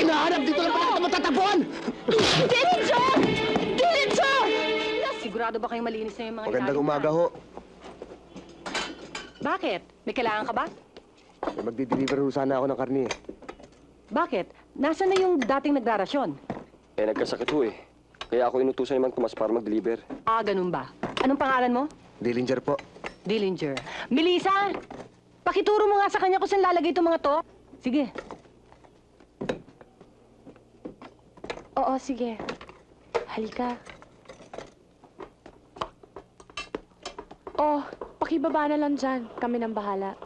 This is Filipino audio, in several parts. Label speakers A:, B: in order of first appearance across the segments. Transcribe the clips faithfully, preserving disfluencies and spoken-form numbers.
A: hinahanap! Dito lang pala kita matatagpuan!
B: Diretso! Diretso! Sigurado ba kayong malinis na yung mga
A: Magandang
B: ilalim
A: umaga
B: na?
A: ho.
B: Bakit? May kailangan ka ba?
A: May magdi-deliver ho sana ako ng karni eh.
B: Bakit? Nasaan na yung dating nagrarasyon?
C: Eh, nagkasakit ho eh. Kaya ako inutusan ni Mang Tomas para mag-deliver.
B: Ah, ganun ba? Anong pangalan mo?
A: Dillinger po.
B: Dillinger. Melissa! Pakituro mo nga sa kanya kung saan lalagay itong mga to. Sige.
D: Oo, sige. Halika. Oh, pakibaba na lang dyan. Kami nang bahala.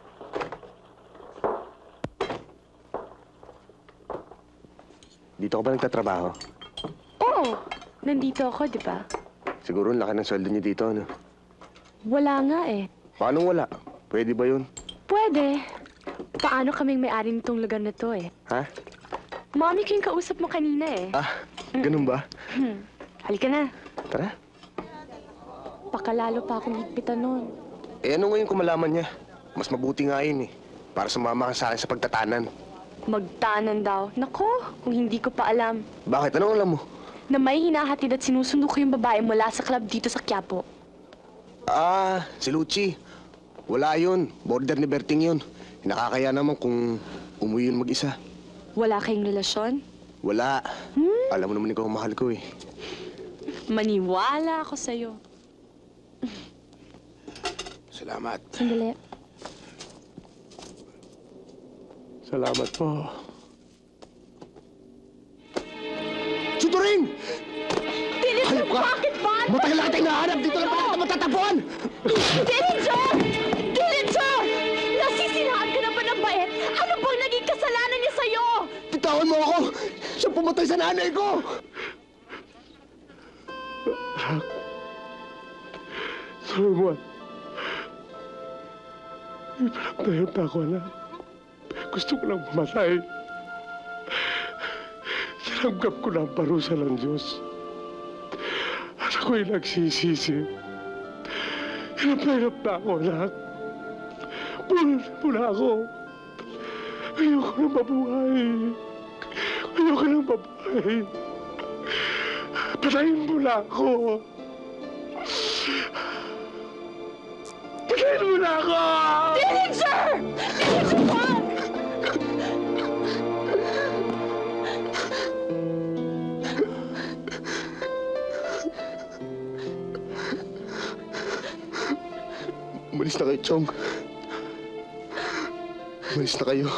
A: Dito ka ba nagtatrabaho?
D: Oo, nandito ako, di ba?
A: Siguro ang laki ng sweldo niyo dito, ano?
D: Wala nga eh.
A: Paano wala? Pwede ba yun?
D: Pwede. Paano kaming may-ari nitong lugar na to eh?
A: Ha?
D: Mami ko yung kausap mo kanina eh.
A: Ah, ganun ba?
D: Hmm. Halika na.
A: Tara.
D: Pakalalo pa akong higpitan nun.
A: Eh ano ngayon kung malaman niya? Mas mabuti nga yun eh. Para sumama ka sa akin sa pagtatanan.
D: Magtanan daw. Nako, kung hindi ko pa alam.
A: Bakit? Anong alam mo?
D: Na may hinahatid at sinusundo ko yung babae mula sa club dito sa Quiapo.
A: Ah, si Lucci. Wala yun. Border ni Berting yun. Nakakaya naman kung umuwi yun mag-isa.
D: Wala kayong relasyon?
A: Wala.
D: Hmm?
A: Alam mo naman ikaw ang mahal ko eh.
D: Maniwala ako sa'yo.
A: Salamat.
D: Sandali.
A: Salamat po. Suturing!
B: Dillinger, bakit ba?
A: Matagal na kitang nahanap! Dito lang pala kita matatagpuan!
B: Diretso! Diretso! Nasisirahan ka na ba ng bait? Ano bang naging kasalanan niya sa'yo?
A: Bitawan mo ako! Siya pumatay sa nanay ko!
E: Solomon, ipinagtayot ako na gusto ko lang mamatay. Tinanggap ko na ang parusa ng Diyos. At ako'y nagsisisi. Hirap na hirap na ako, anak. Punan mo na ako. Ayoko na mabuhay. Ayoko na mabuhay. Patayin mo na ako. Patayin mo na ako!
B: Dillinger! Dillinger, wag!
A: Umalis na kayo, Chong. Umalis na kayo.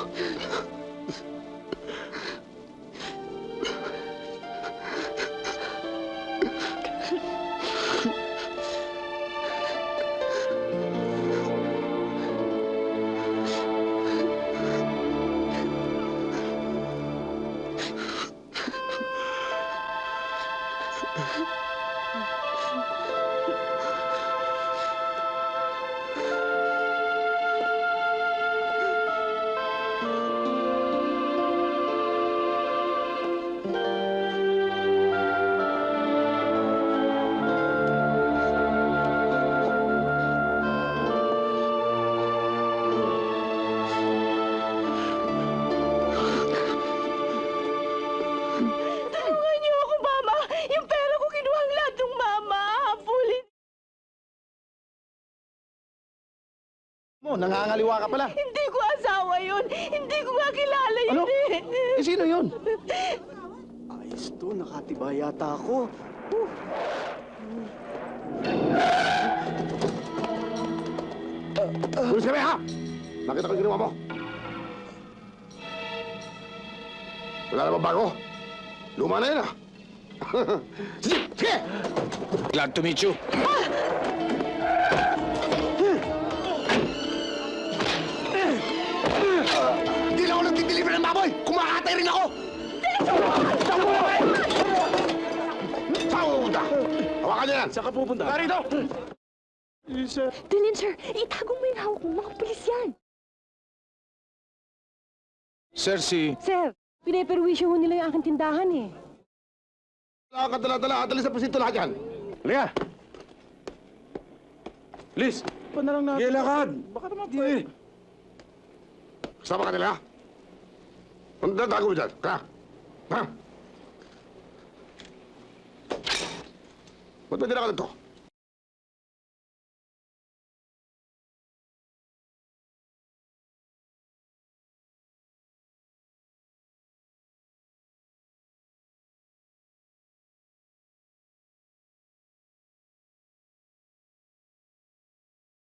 B: Tulungan niyo ako, Mama! Yung pera ko kinuha ang lahat ng Mama! Habulin!
A: Mo, nangangaliwa ka pala.
B: Hindi ko asawa yun! Hindi ko nga kilala yun
A: Ano?
B: eh!
A: Eh, sino yun? Ayos to, nakatiba yata ako. Pulis kami, ha? Nakita ko yung ginawa mo. Wala naman bago. Luma na yun, ha? Sige! Sige!
F: Glad to meet you.
A: Hindi lang ako nagdi-deliver ng baboy! Kumakatay rin ako! Saan mo pupunta? Hawakan niyo yan!
F: Saan ka pupunta?
A: Narito!
D: Dillinger, itagong mo yung hawak mo. Mga pulis yan.
F: Sir, si...
B: Sir, pinaperwisyo ho nila yung aking tindahan eh.
A: Wala ka dala-dala, atalis sa presinto lahat yan. Halika!
F: Liz! Pa na lang natin. Gilakad! Baka naman pwede.
A: Kasama ka nila, ha? Ang dadago mo dyan, ka? Ha? Ba't ba dinakalan to?